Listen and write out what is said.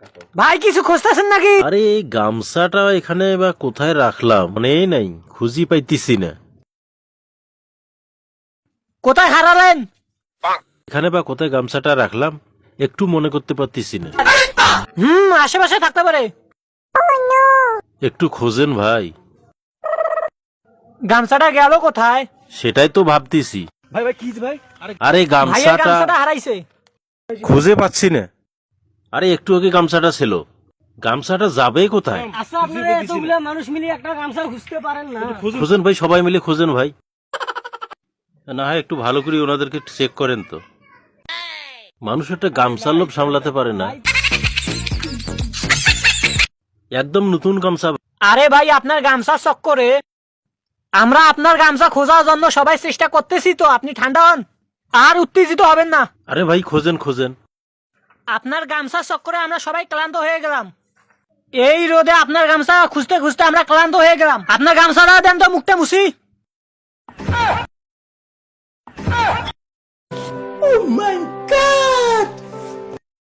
ভাই কিছু খুঁজতেছেন নাকি? আরে এই গামছাটা এখানে বা কোথায় রাখলাম মনেই নাই, খুঁজি পাইতেছি না। কোথায় হারালেন? এখানে বা কোথায় গামছাটা রাখলাম একটু মনে করতে পারতেছি না। আশেপাশে থাকতে পারে। একটু খোঁজেন ভাই। গামছাটা গেল কোথায়? সেটাই তো ভাবতেছি। ভাই ভাই কি ভাই? আরে ভাইয়ের গামছাটা গামছাটা হারাইছে। খুঁজে পাচ্ছি না। আরে একটু আগে গামছাটা ছিল, গামছাটা যাবে কোথায়? আচ্ছা আপনারা এতগুলা মানুষ মিলে একটা গামছা খুঁজতে পারেন না? খোঁজেন ভাই, সবাই মিলে খোঁজেন ভাই। না হয় একটু ভালো করে ওনাদেরকে চেক করেন তো। মানুষ একটা গামছার লোভ সামলাতে পারে না। একদম নতুন গামছা। আরে ভাই আপনার গামছা চক্করে আমরা আপনার গামছা খোঁজার জন্য সবাই চেষ্টা করতেছি, তো আপনি ঠান্ডা হন আর উত্তেজিত হবেন না। আরে ভাই খোঁজেন খোঁজেন। আপনার গামছা চক্করে আমরা সবাই ক্লান্ত হয়ে গেলাম। এই রোদে আপনার গামছা খুঁজতে খুঁজতে আমরা ক্লান্ত হয়ে গেলাম। আপনার গামছাটা দেন তো, মুখটা মুছি। Oh my God!